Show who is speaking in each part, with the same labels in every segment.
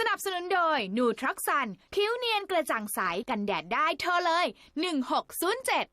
Speaker 1: นับสนุนโดยนูทรัคซันผิวเนียนกระจ่างใสกันแดดได้โทรเลย1607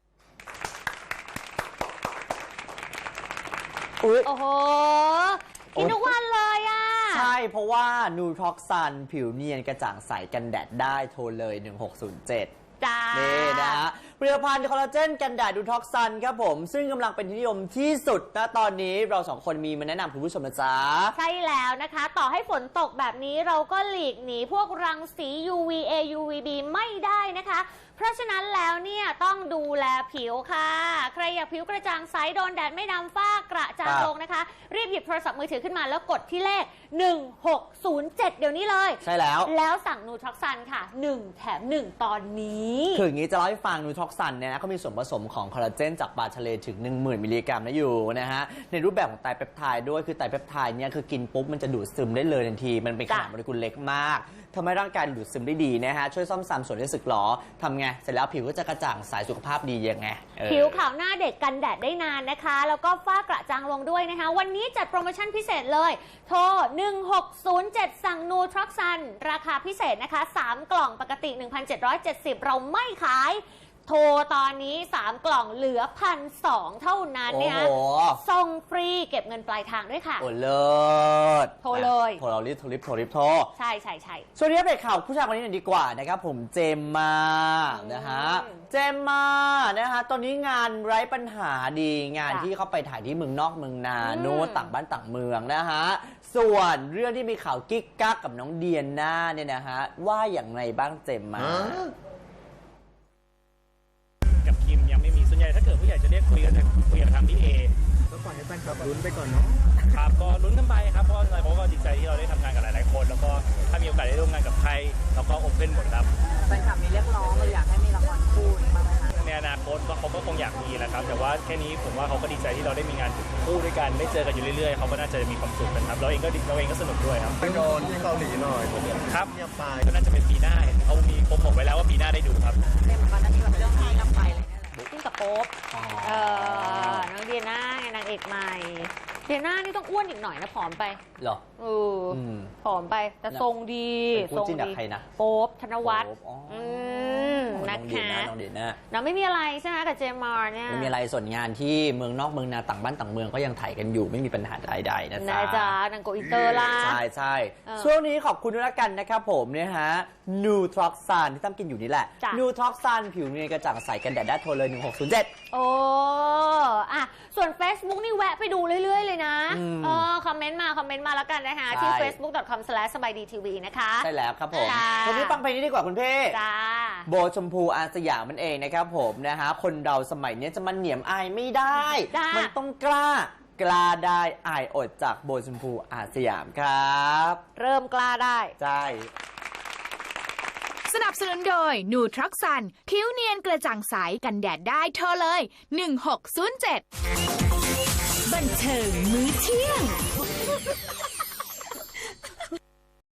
Speaker 2: โอ้โหกินทุกวันเลยอ่ะ
Speaker 3: ใช่เพราะว่านูทร็อกซันผิวเนียนกระจ่างใสกันแดดได้โทรเลย1607
Speaker 2: จ้า
Speaker 3: นี่นะฮะผลิตภัณฑ์คอลลาเจนกันแดดนูทร็อกซันครับผมซึ่งกำลังเป็นที่นิยมที่สุดนะตอนนี้เราสองคนมีมาแนะนำคุณผู้ชมนะจ๊ะ
Speaker 2: ใช่แล้วนะคะต่อให้ฝนตกแบบนี้เราก็หลีกหนีพวกรังสี UVA UVB ไม่ได้นะคะเพราะฉะนั้นแล้วเนี่ยต้องดูแลผิวค่ะใครอยากผิวกระจ่างใสโดนแดดไม่ดำฝ้ากระจางลงนะคะรีบหยิบโทรศัพท์มือถือขึ้นมาแล้วกดที่เลข1607เดี๋ยวนี้เลย
Speaker 3: ใช่แล้ว
Speaker 2: สั่งนูทร็อกซันค่ะ1แถม1ตอนนี้
Speaker 3: คืออย่างนี้จะเล่าให้ฟังนูทร็อกซันเนี่ยนะเขามีส่วนผสมของคอลลาเจนจากปลาทะเลถึง 10,000 มิลลิกรัมนะอยู่นะฮะในรูปแบบของไตรเปปไทด์ด้วยคือไตรเปปไทด์เนี่ยคือกินปุ๊บมันจะดูดซึมได้เลยทันทีมันเป็นขนาดโมเลกุลเล็กมากทำให้ร่างกายดูดซึมได้ดีนะฮะช่วยซ่อมแซมส่วนที่สึกหรอทำไงเสร็จแล้วผิวก็จะกระจ่างใสสุขภาพดียังไง
Speaker 2: ผิวขาวหน้าเด็กกันแดดได้นานนะคะแล้วก็ฝ้ากระจางลงด้วยนะคะวันนี้จัดโปรโมชั่นพิเศษเลยโทร1607สั่งนูทร็อกซันราคาพิเศษนะคะ3กล่องปกติ 1,770 เราไม่ขายโทรตอนนี้3กล่องเหลือ 1,200 เท่านั้นเนี่ยส่งฟรีเก็บเงินปลายทางด้วยค่ะ
Speaker 3: โอ้เลิศ
Speaker 2: โทรเลย
Speaker 3: โทรเรารีบโทร
Speaker 2: ใช่
Speaker 3: ส่วนนี้เป็นข่าวผู้ชายคนนี้หน่อยดีกว่านะครับผมเจมมานะฮะเจมมานะฮะตอนนี้งานไร้ปัญหาดีงานที่เขาไปถ่ายที่เมืองนอกเมืองนาโน้ต่างบ้านต่างเมืองนะฮะส่วนเรื่องที่มีข่าวกิ๊กกักกับน้องเดียน่าเนี่ยนะฮะว่าอย่างไรบ้างเจมมา
Speaker 4: กับคิมยังไม่มีส่วนใหญ่ถ้าเกิดผู้ใหญ่จะเรียกคุยกับทางพี่เอ
Speaker 5: ก็ปล่อยให้แฟนคลับลุ้นไปก่อนเนาะ
Speaker 4: ครับก็ลุ้นกันไปครับเพราะอะไรเพราะก็ดีใจที่เราได้ทำงานกับหลายๆคนแล้วก็ถ้ามีโอกาสได้ร่วมงานกับใครเราก็โอเพ่นหมดครับ
Speaker 6: แฟนคลับมีเรียกร้องเราอยากให้มีละครคู่บ้างไหมคะ
Speaker 4: ในอนาคตเขาก็คงอยากมีแหละครับแต่ว่าแค่นี้ผมว่าเขาก็ดีใจที่เราได้มีงานคู่ด้วยกันได้เจอกันอยู่เรื่อยๆเขาก็น่าจะมีความสุขกันครับเราเองก็สนุกด้วยครับ
Speaker 5: ไปโดนที่เกาหลีหน่อย
Speaker 4: ครับก็น่าจะเป็นปีหน้าเขามีโปรโมทไว้แล้วว่าปีหน้าได้ดูครับ
Speaker 6: เรื่องมันมีแบบเรื่องที่นำไปเลย
Speaker 2: ขึ้นกับโป๊ปน้องเดียน่าไงนางเอกใหม่เดียน่านี่ต้องอ้วนอีกหน่อยนะผอมไป
Speaker 3: หรอ
Speaker 2: ผอมไปแต่ทรงดี
Speaker 3: ทรงดี
Speaker 2: โป๊ปธนวัฒน์นะคะน้องไม่มีอะไรใช่ไหมกับเจมมาร์เนี่ย
Speaker 3: ไม่มีอะไรส่วนงานที่เมืองนอกเมืองนาต่างบ้านต่างเมืองก็ยังถ่ายกันอยู่ไม่มีปัญหาใดๆนะ
Speaker 2: จ๊ะนางโกอินเตอร์ล่ะ
Speaker 3: ใช่ช่วงนี้ขอบคุณด้วยละกันนะครับผมเนี่ยฮะนูทร็อกซันที่ตั้มกินอยู่นี่แหละนูทร็อกซันผิวเนียนกระจ่างใสกันแดดได้โทรเลย1607
Speaker 2: โอ้ส่วน Facebook นี่แวะไปดูเรื่อยๆเลยนะคอมเมนต์มาแล้วกันนะคะที่ facebook.com/sbaidtv นะคะ
Speaker 3: ใช่แล้วครับผมวันนี้ฟังเพลงนี้ดีกว่าคุณเพ่โบชมพูอาสยามมันเองนะครับผมนะฮะคนเราสมัยนี้จะมันเหนียมอายไม่ได้มันต้องกล้าได้อายอดจากโบชมพูอาสยามครับ
Speaker 2: เริ่มกล้าได้
Speaker 3: ใช่
Speaker 1: สนับสนุนโดยนูทรัคซันผิวเนียนกระจ่างใสกันแดดได้โทรเลย1607บันเทิงมื้อเที่ยง